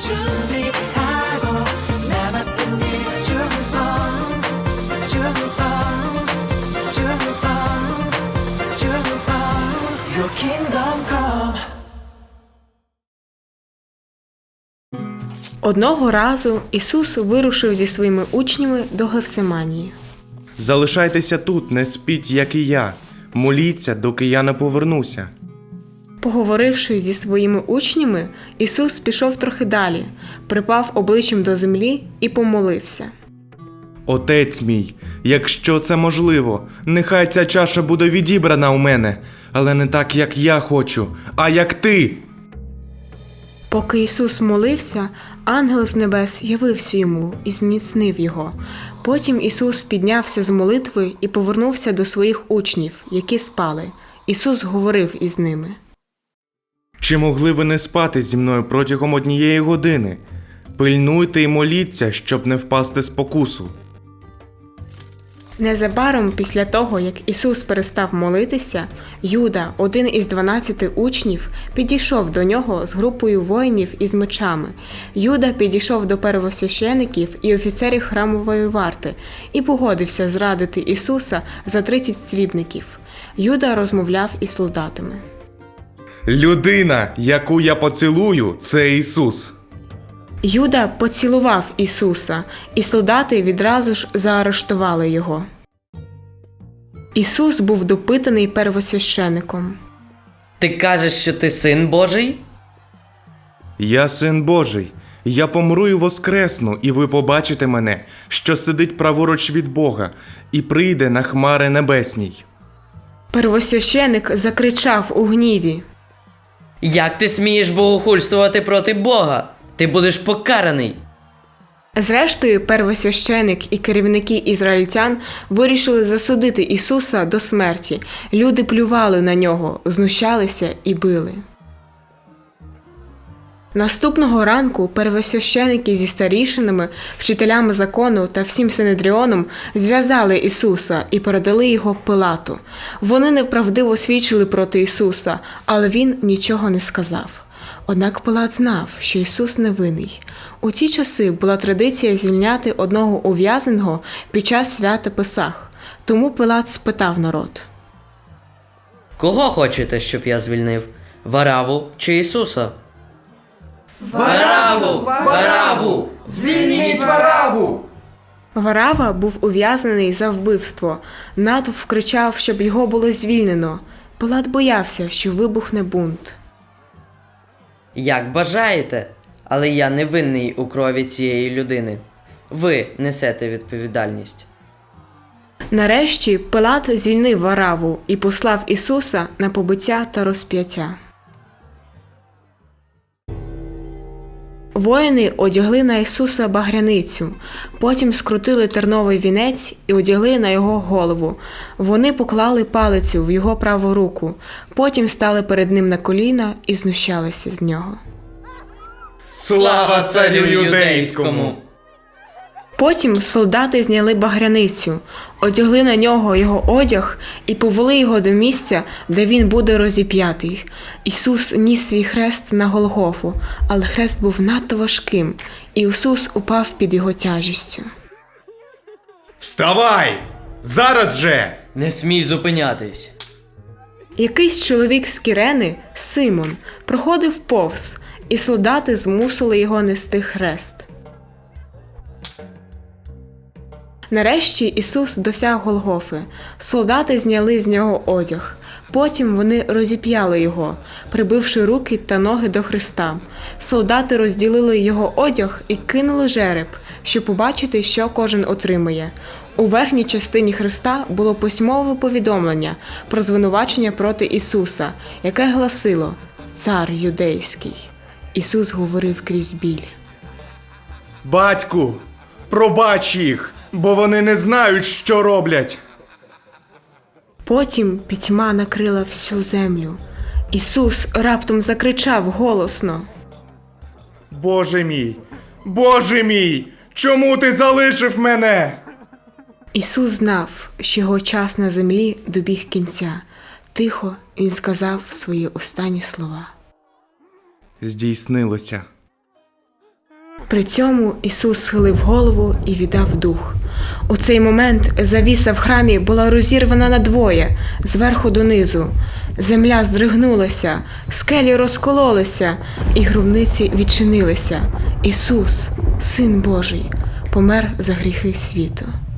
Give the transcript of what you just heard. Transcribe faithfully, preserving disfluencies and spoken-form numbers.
준비하고 나 맡은 일 충성 충성 충성 충성 Your kingdom come. Одного разу Ісус вирушив зі своїми учнями до Гефсиманії. «Залишайтеся тут, не спіть, як і я. Моліться, доки я не повернуся». Поговоривши зі своїми учнями, Ісус пішов трохи далі, припав обличчям до землі і помолився. «Отець мій, якщо це можливо, нехай ця чаша буде відібрана у мене, але не так, як я хочу, а як ти». Поки Ісус молився, ангел з небес явився йому і зміцнив його. Потім Ісус піднявся з молитви і повернувся до своїх учнів, які спали. Ісус говорив із ними. «Чи могли ви не спати зі мною протягом однієї години? Пильнуйте і моліться, щоб не впасти в спокусу». Незабаром після того, як Ісус перестав молитися, Юда, один із дванадцяти учнів, підійшов до нього з групою воїнів із мечами. Юда підійшов до первосвящеників і офіцерів храмової варти і погодився зрадити Ісуса за тридцять срібників. Юда розмовляв із солдатами. «Людина, яку я поцілую, це Ісус». Юда поцілував Ісуса, і солдати відразу ж заарештували його. Ісус був допитаний первосвящеником. Ти кажеш, що ти син Божий? «Я син Божий. Я помру і воскресну, і ви побачите мене, що сидить праворуч від Бога, і прийде на хмари небесній». Первосвященик закричав у гніві. Як ти смієш богохульствувати проти Бога? Ти будеш покараний. Зрештою, первосвященик і керівники ізраїльтян вирішили засудити Ісуса до смерті. Люди плювали на нього, знущалися і били. Наступного ранку первосвященики зі старішинами, вчителями закону та всім Синедріоном зв'язали Ісуса і передали його Пилату. Вони неправдиво свідчили проти Ісуса, але він нічого не сказав. Однак Пилат знав, що Ісус невинний. У ті часи була традиція звільняти одного ув'язненого під час свята Песах. Тому Пилат спитав народ. Кого хочете, щоб я звільнив? Вараву чи Ісуса? Вараву! Вараву! Звільніть Вараву! Варава був ув'язнений за вбивство. Натовп кричав, щоб його було звільнено. Пилат боявся, що вибухне бунт. Як бажаєте, але я не винний у крові цієї людини. Ви несете відповідальність. Нарешті Пилат звільнив Вараву і послав Ісуса на побиття та розп'яття. Воїни одягли на Ісуса багряницю, потім скрутили терновий вінець і одягли на його голову. Вони поклали палицю в його праву руку, потім стали перед ним на коліна і знущалися з нього. «Слава царю юдейському!» Потім солдати зняли багряницю, одягли на нього його одяг і повели його до місця, де він буде розіп'ятий. Ісус ніс свій хрест на Голгофу, але хрест був надто важким, і Ісус упав під його тяжістю. «Вставай! Зараз же!» Не смій зупинятись. Якийсь чоловік з Кірени, Симон, проходив повз, і солдати змусили його нести хрест. Нарешті Ісус досяг Голгофи. Солдати зняли з нього одяг. Потім вони розіп'яли його, прибивши руки та ноги до хреста. Солдати розділили його одяг і кинули жереб, щоб побачити, що кожен отримає. У верхній частині хреста було письмове повідомлення про звинувачення проти Ісуса, яке гласило «Цар юдейський». Ісус говорив крізь біль. «Батьку, пробач їх, бо вони не знають, що роблять». Потім пітьма накрила всю землю. Ісус раптом закричав голосно. «Боже мій, Боже мій, чому ти залишив мене?» Ісус знав, що його час на землі добіг кінця. Тихо він сказав свої останні слова. Здійснилося. При цьому Ісус схилив голову і віддав дух. У цей момент завіса в храмі була розірвана надвоє, зверху донизу. Земля здригнулася, скелі розкололися, і гробниці відчинилися. Ісус, Син Божий, помер за гріхи світу.